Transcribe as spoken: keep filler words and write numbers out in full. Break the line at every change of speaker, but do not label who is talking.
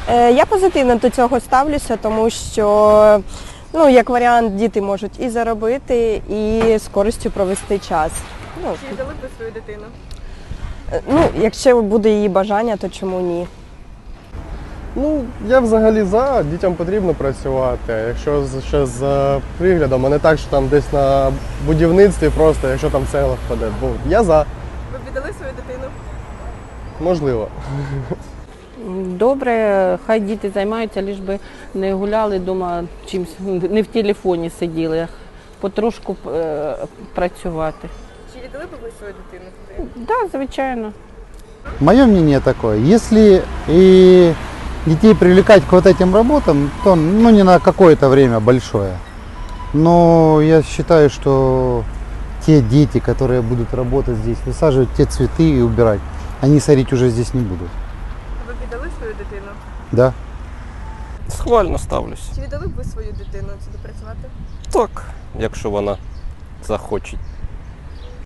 Е, Я позитивно до цього ставлюся, тому що, ну, як варіант, діти можуть і заробити, і з користю провести час. Ну,
Чи віддали б ви свою дитину?
е, ну, якщо буде її бажання, то чому ні?
Ну, я взагалі за, дітям потрібно працювати. Якщо з- ще з е, приглядом, а не так, що там десь на будівництві просто, якщо там цегла впаде. Бо я за,
Ви б віддали свою дитину?
можливо.
Добре, хай діти займаються, лиш би не гуляли вдома чимось, не в телефоні сиділи, потрошку е, працювати.
Чи віддали б ви свою дитину туди?
Так, да, звичайно.
Мое мнение такое, если и детей привлекать к вот этим работам, то ну, не на какое-то время большое. Но я считаю, что те дети, которые будут работать здесь, высаживать те цветы и убирать, они сорить уже здесь не будут.
Ви б віддали свою дитину?
Да?
Схвально ставлюсь.
Чи віддали б ви свою дитину сюди працювати?
Так, якщо вона захоче.